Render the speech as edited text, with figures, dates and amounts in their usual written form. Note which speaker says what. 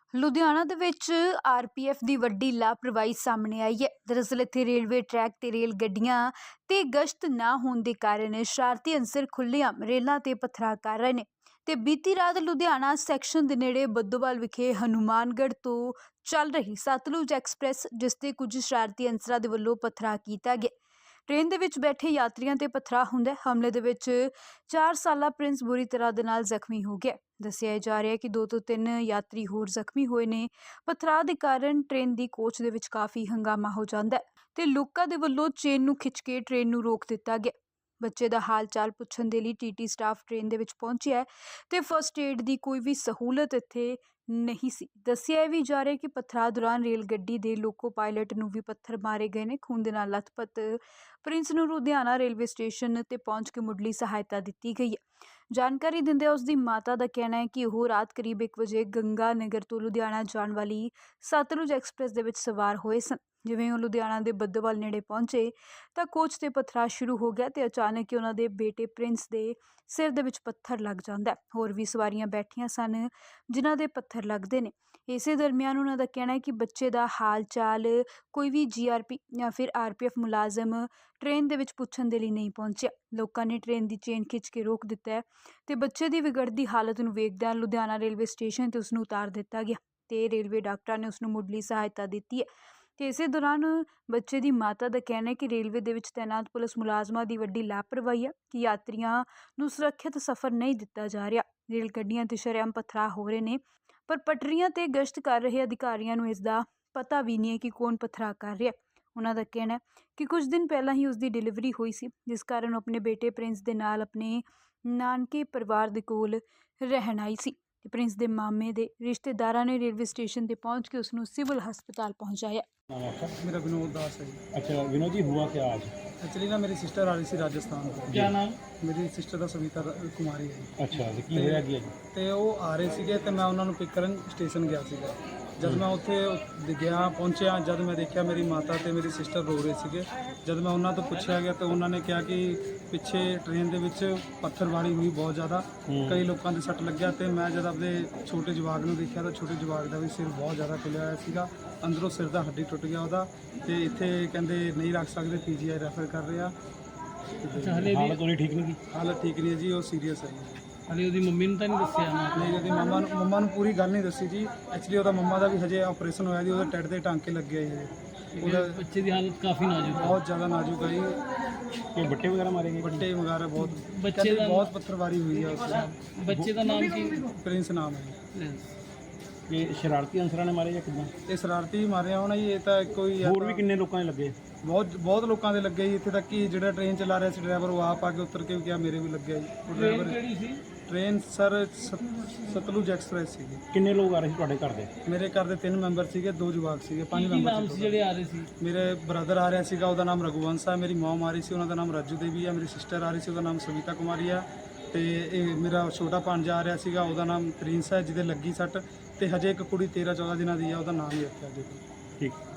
Speaker 1: ਲੁਧਿਆਣਾ ਦੇ ਵਿੱਚ ਆਰਪੀਐਫ ਦੀ ਵੱਡੀ ਲਾਪਰਵਾਹੀ ਸਾਹਮਣੇ ਆਈ ਹੈ। ਦਰਅਸਲ ਇੱਥੇ ਰੇਲਵੇ ਟਰੈਕ ਤੇ ਰੇਲ ਗੱਡੀਆਂ ਤੇ ਗਸ਼ਤ ਨਾ ਹੋਣ ਦੇ ਕਾਰਨ ਸ਼ਰਾਰਤੀ ਅਨਸਰ ਖੁੱਲ੍ਹੇਆਮ ਰੇਲਾਂ ਤੇ ਪਥਰਾ ਕਰ ਰਹੇ ਨੇ ਤੇ ਬੀਤੀ ਰਾਤ ਲੁਧਿਆਣਾ ਸੈਕਸ਼ਨ ਦੇ ਨੇੜੇ ਬੱਦੋਵਾਲ ਵਿਖੇ ਹਨੂਮਾਨਗੜ੍ਹ ਤੋਂ ਚੱਲ ਰਹੀ ਸਤਲੁਜ ਐਕਸਪ੍ਰੈਸ ਜਿਸ ਤੇ ਕੁਝ ਸ਼ਰਾਰਤੀ ਅਨਸਰਾਂ ਦੇ ਵੱਲੋਂ ਪਥਰਾ ਕੀਤਾ ਗਿਆ। ट्रेन ਦੇ ਵਿੱਚ ਬੈਠੇ ਯਾਤਰੀਆਂ ਤੇ ਪਥਰਾ ਹੁੰਦਾ। ਹਮਲੇ ਦੇ ਵਿੱਚ 4 ਸਾਲਾ ਪ੍ਰਿੰਸ ਬੁਰੀ ਤਰ੍ਹਾਂ ਦੇ ਨਾਲ ਜ਼ਖਮੀ ਹੋ ਗਿਆ। ਦੱਸਿਆ ਜਾ ਰਿਹਾ ਹੈ ਕਿ 2 ਤੋਂ 3 ਯਾਤਰੀ ਹੋਰ ਜ਼ਖਮੀ ਹੋਏ ਨੇ। ਪਥਰਾ ਦੇ ਕਾਰਨ ਟ੍ਰੇਨ ਦੀ ਕੋਚ ਦੇ ਵਿੱਚ ਕਾਫੀ ਹੰਗਾਮਾ ਹੋ ਜਾਂਦਾ ਹੈ ਤੇ ਲੋਕਾਂ ਦੇ ਵੱਲੋਂ ਚੇਨ ਨੂੰ ਖਿੱਚ ਕੇ ਟ੍ਰੇਨ ਨੂੰ ਰੋਕ ਦਿੱਤਾ ਗਿਆ। ਬੱਚੇ ਦਾ ਹਾਲ ਚਾਲ ਪੁੱਛਣ ਦੇ ਲਈ ਟੀਟੀ ਸਟਾਫ ਟ੍ਰੇਨ ਦੇ ਵਿੱਚ ਪਹੁੰਚਿਆ ਤੇ ਫਸਟ ਏਡ ਦੀ ਕੋਈ ਵੀ ਸਹੂਲਤ ਇੱਥੇ ਨਹੀਂ ਸੀ। ਦੱਸਿਆ ਵੀ ਜਾ ਰਿਹਾ ਕਿ ਪਥਰਾ ਦੌਰਾਨ ਰੇਲ ਗੱਡੀ ਦੇ ਲੋਕੋ ਪਾਇਲਟ ਨੂੰ ਵੀ ਪੱਥਰ ਮਾਰੇ ਗਏ ਨੇ। ਖੂਨ ਦੇ ਨਾਲ ਲੱਥਪੱਥ ਪ੍ਰਿੰਸ ਨੂੰ ਲੁਧਿਆਣਾ ਰੇਲਵੇ ਸਟੇਸ਼ਨ ਤੇ ਪਹੁੰਚ ਕੇ ਮੁੱਢਲੀ ਸਹਾਇਤਾ ਦਿੱਤੀ ਗਈ ਹੈ। ਜਾਣਕਾਰੀ ਦਿੰਦਿਆਂ ਉਸ ਦੀ ਮਾਤਾ ਦਾ ਕਹਿਣਾ ਹੈ ਕਿ ਉਹ ਰਾਤ ਕਰੀਬ 1 ਵਜੇ ਗੰਗਾ ਨਗਰ ਤੋਂ ਲੁਧਿਆਣਾ ਜਾਣ ਵਾਲੀ ਸਤਲੁਜ ਐਕਸਪ੍ਰੈਸ ਦੇ ਵਿੱਚ ਸਵਾਰ ਹੋਏ ਸਨ। ਜਿਵੇਂ ਉਹ ਲੁਧਿਆਣਾ ਦੇ ਬੱਦੋਵਾਲ ਨੇੜੇ ਪਹੁੰਚੇ ਤਾਂ ਕੋਚ ਤੇ ਪਥਰਾ ਸ਼ੁਰੂ ਹੋ ਗਿਆ ਤੇ ਅਚਾਨਕ ਹੀ ਉਹਨਾਂ ਦੇ ਬੇਟੇ ਪ੍ਰਿੰਸ ਦੇ ਸਿਰ ਦੇ ਵਿੱਚ ਪੱਥਰ ਲੱਗ ਜਾਂਦਾ। ਹੋਰ ਵੀ ਸਵਾਰੀਆਂ ਬੈਠੀਆਂ ਸਨ ਜਿਨ੍ਹਾਂ ਦੇ ਪੱਥਰ ਲੱਗਦੇ ਨੇ। ਇਸੇ ਦਰਮਿਆਨ ਉਹਨਾਂ ਦਾ ਕਹਿਣਾ ਹੈ ਕਿ ਬੱਚੇ ਦਾ ਹਾਲ ਚਾਲ ਕੋਈ ਵੀ ਜੀਆਰਪੀ ਜਾਂ ਫਿਰ ਆਰਪੀਐਫ ਮੁਲਾਜ਼ਮ ਟ੍ਰੇਨ ਦੇ ਵਿੱਚ ਪੁੱਛਣ ਦੇ ਲਈ ਨਹੀਂ ਪਹੁੰਚਿਆ। ਲੋਕਾਂ ਨੇ ਟ੍ਰੇਨ ਦੀ ਚੇਨ ਖਿੱਚ ਕੇ ਰੋਕ ਦਿੱਤਾ ਹੈ ਤੇ ਬੱਚੇ ਦੀ ਵਿਗੜਦੀ ਹਾਲਤ ਨੂੰ ਵੇਖਦਿਆਂ ਲੁਧਿਆਣਾ ਰੇਲਵੇ ਸਟੇਸ਼ਨ ਤੇ ਉਸ ਨੂੰ ਉਤਾਰ ਦਿੱਤਾ ਗਿਆ ਤੇ ਰੇਲਵੇ ਡਾਕਟਰਾਂ ਨੇ ਉਸ ਨੂੰ ਮੁੱਢਲੀ ਸਹਾਇਤਾ ਦਿੱਤੀ ਹੈ। ਤੇ ਇਸੇ ਦੌਰਾਨ ਬੱਚੇ ਦੀ ਮਾਤਾ ਦਾ ਕਹਿਣਾ ਹੈ ਕਿ ਰੇਲਵੇ ਦੇ ਵਿੱਚ ਤੈਨਾਤ ਪੁਲਿਸ ਮੁਲਾਜ਼ਮਾਂ ਦੀ ਵੱਡੀ ਲਾਪਰਵਾਹੀ ਹੈ ਕਿ ਯਾਤਰੀਆਂ ਨੂੰ ਸੁਰੱਖਿਅਤ ਸਫ਼ਰ ਨਹੀਂ ਦਿੱਤਾ ਜਾ ਰਿਹਾ। ਰੇਲ ਗੱਡੀਆਂ ਤੇ ਸ਼ਰੇਆਮ ਪਥਰਾ ਹੋ ਰਹੇ ਨੇ ਪਰ ਪਟਰੀਆਂ ਤੇ ਗਸ਼ਤ ਕਰ ਰਹੇ ਅਧਿਕਾਰੀਆਂ ਨੂੰ ਇਸ ਦਾ ਪਤਾ ਵੀ ਨਹੀਂ ਹੈ ਕਿ ਕੌਣ ਪਥਰਾ ਕਰ ਰਿਹਾ। ਉਹਨਾਂ ਦਾ ਕਹਿਣਾ ਹੈ ਕਿ ਕੁਝ ਦਿਨ ਪਹਿਲਾਂ ਹੀ ਉਸ ਦੀ ਡਿਲੀਵਰੀ ਹੋਈ ਸੀ ਜਿਸ ਕਾਰਨ ਉਹ ਆਪਣੇ ਬੇਟੇ ਪ੍ਰਿੰਸ ਦੇ ਨਾਲ ਆਪਣੇ ਨਾਨਕੇ ਪਰਿਵਾਰ ਦੇ ਕੋਲ ਰਹਿਣ ਆਈ ਸੀ ਤੇ ਪ੍ਰਿੰਸ ਦੇ ਮਾਮੇ ਦੇ ਰਿਸ਼ਤੇਦਾਰਾਂ ਨੇ ਰੇਲਵੇ ਸਟੇਸ਼ਨ ਤੇ पहुंच के उसਨੂੰ सिविल हस्पताल पहुंचाया।
Speaker 2: नाम आपका?
Speaker 3: मेरा विनोद दास है जी।
Speaker 2: अच्छा विनोद जी, हुआ क्या आज?
Speaker 3: एक्चुअली ना मेरी सिस्टर आ रही थी राजस्थान ਤੋਂ।
Speaker 2: क्या नाम?
Speaker 3: ਮੇਰੀ ਸਿਸਟਰ ਦਾ ਸਵੀਤਾ ਕੁਮਾਰੀ ਹੈ ਜੀ।
Speaker 2: ਅੱਛਾ ਤੇ ਕੀ ਹੋਇਆ ਕੀ?
Speaker 3: ਤੇ ਉਹ ਆ ਰਹੇ ਸੀਗੇ ਤੇ ਮੈਂ ਉਹਨਾਂ ਨੂੰ ਪਿਕ ਕਰਨ ਸਟੇਸ਼ਨ ਗਿਆ ਸੀਗਾ। ਜਦ ਮੈਂ ਉੱਥੇ ਗਿਆ ਪਹੁੰਚਿਆ, ਜਦ ਮੈਂ ਦੇਖਿਆ ਮੇਰੀ ਮਾਤਾ ਤੇ ਮੇਰੀ ਸਿਸਟਰ ਰੋ ਰਹੇ ਸੀਗੇ। ਜਦ ਮੈਂ ਉਹਨਾਂ ਤੋਂ ਪੁੱਛਿਆ ਗਿਆ ਤਾਂ ਉਹਨਾਂ ਨੇ ਕਿਹਾ ਕਿ ਪਿੱਛੇ ਟ੍ਰੇਨ ਦੇ ਵਿੱਚ ਪੱਥਰਬਾਰੀ ਹੋਈ ਬਹੁਤ ਜ਼ਿਆਦਾ, ਕਈ ਲੋਕਾਂ ਦੇ ਸੱਟ ਲੱਗਿਆ। ਤੇ ਮੈਂ ਜਦ ਆਪਣੇ ਛੋਟੇ ਜਵਾਕ ਨੂੰ ਦੇਖਿਆ ਤਾਂ ਛੋਟੇ ਜਵਾਕ ਦਾ ਵੀ ਸਿਰ ਬਹੁਤ ਜ਼ਿਆਦਾ ਖੁੱਲਿਆ ਹੋਇਆ ਸੀਗਾ, ਅੰਦਰੋਂ ਸਿਰ ਦਾ ਹੱਡੀ ਟੁੱਟ ਗਿਆ ਉਹਦਾ ਤੇ ਇੱਥੇ ਕਹਿੰਦੇ ਨਹੀਂ ਰੱਖ ਸਕਦੇ, ਪੀਜੀਆਈ ਰੈਫਰ ਕਰ ਰਹੇ ਆ।
Speaker 2: ਹਾਲਤ ਉਹਦੀ ਠੀਕ ਨਹੀਂ ਕੀ?
Speaker 3: ਹਾਲਤ ਠੀਕ ਨਹੀਂ ਹੈ ਜੀ, ਉਹ ਸੀਰੀਅਸ ਹੈ ਜੀ।
Speaker 2: ਹਾਲੇ ਉਹਦੀ ਮੰਮੀ ਨੂੰ ਤਾਂ ਨਹੀਂ ਦੱਸਿਆ?
Speaker 3: ਨਹੀਂ, ਉਹਦੀ ਮੰਮਾ ਨੂੰ ਪੂਰੀ ਗੱਲ ਨਹੀਂ ਦੱਸੀ ਜੀ। ਐਕਚੁਅਲੀ ਉਹਦਾ ਮੰਮਾ ਦਾ ਵੀ ਹਜੇ ਆਪਰੇਸ਼ਨ ਹੋਇਆ ਜੀ, ਉਹਦੇ ਟੱਟ ਦੇ ਟਾਂਕੇ ਲੱਗੇ ਆ ਜੀ। ਉਹਦਾ
Speaker 2: ਬੱਚੇ ਦੀ ਹਾਲਤ ਕਾਫੀ ਨਾਜ਼ੁਕ ਹੈ,
Speaker 3: ਬਹੁਤ ਜ਼ਿਆਦਾ ਨਾਜ਼ੁਕ ਹੈ ਜੀ।
Speaker 2: ਕਿ ਬੱਟੇ ਵਗੈਰਾ ਮਾਰੇ ਗਏ?
Speaker 3: ਵੱਡੇ ਵਗੈਰਾ ਬਹੁਤ,
Speaker 2: ਬੱਚੇ ਦਾ
Speaker 3: ਬਹੁਤ ਪੱਥਰਵਾਰੀ ਹੋਈ ਹੈ ਉਸ।
Speaker 2: ਬੱਚੇ ਦਾ ਨਾਮ ਕੀ?
Speaker 3: ਪ੍ਰਿੰਸ ਨਾਮ ਹੈ ਜੀ।
Speaker 2: ਇਹ ਸ਼ਰਾਰਤੀ ਅਨਸਰਾਂ ਨੇ ਮਾਰੇ ਜਾਂ ਕਿੱਦਾਂ?
Speaker 3: ਇਹ ਸ਼ਰਾਰਤੀ ਮਾਰਿਆ ਹੋਣਾ ਜੀ। ਇਹ ਤਾਂ ਕੋਈ
Speaker 2: ਹੋਰ ਵੀ ਕਿੰਨੇ ਲੋਕਾਂ ਨੇ ਲੱਗੇ?
Speaker 3: ਬਹੁਤ ਲੋਕਾਂ ਦੇ ਲੱਗੇ ਜੀ। ਇੱਥੇ ਤੱਕ ਕਿ ਜਿਹੜਾ ਟ੍ਰੇਨ ਚਲਾ ਰਿਹਾ ਸੀ ਡਰਾਈਵਰ, ਉਹ ਆਪ ਆ ਕੇ ਉਤਰ ਕੇ ਵੀ ਕਿਹਾ ਮੇਰੇ ਵੀ ਲੱਗਿਆ ਜੀ। ਉਹ ਡਰਾਈਵਰ
Speaker 2: ਕਿਹੜੀ ਸੀ?
Speaker 3: ਟ੍ਰੇਨ ਸਰ ਸਤਲੁਜ ਐਕਸਪ੍ਰੈਸ ਸੀਗੀ।
Speaker 2: ਕਿੰਨੇ ਲੋਕ ਆ ਰਹੇ ਸੀ ਤੁਹਾਡੇ ਘਰ ਦੇ?
Speaker 3: ਮੇਰੇ ਘਰ ਦੇ 3 ਮੈਂਬਰ ਸੀਗੇ, 2 ਜਵਾਕ ਸੀਗੇ, 5 ਮੈਂਬਰ
Speaker 2: ਨਾਮ ਸੀ ਜਿਹੜੇ ਆ ਰਹੇ ਸੀ?
Speaker 3: ਮੇਰੇ ਬ੍ਰਦਰ ਆ ਰਿਹਾ ਸੀਗਾ, ਉਹਦਾ ਨਾਮ ਰਘੁਵੰਸ਼ ਹੈ। ਮੇਰੀ ਮਮ ਆ ਰਹੀ ਸੀ, ਉਹਨਾਂ ਦਾ ਨਾਮ ਰਾਜੂ ਦੇਵੀ ਹੈ। ਮੇਰੀ ਸਿਸਟਰ ਆ ਰਹੀ ਸੀ, ਉਹਦਾ ਨਾਮ ਸਵੀਤਾ ਕੁਮਾਰੀ ਹੈ। ਤੇ ਇਹ ਮੇਰਾ ਛੋਟਾ ਭਾਂਜਾ ਆ ਰਿਹਾ ਸੀਗਾ, ਉਹਦਾ ਨਾਮ ਪ੍ਰਿੰਸ ਹੈ ਜਿਹਦੇ ਲੱਗੀ ਸੱਟ। ਤੇ ਹਜੇ ਇੱਕ ਕੁੜੀ 13-14 ਦਿਨਾਂ ਦੀ ਹੈ, ਉਹਦਾ ਨਾਮ ਹੀ ਰੱਖਿਆ ਜੀ।
Speaker 2: ਠੀਕ।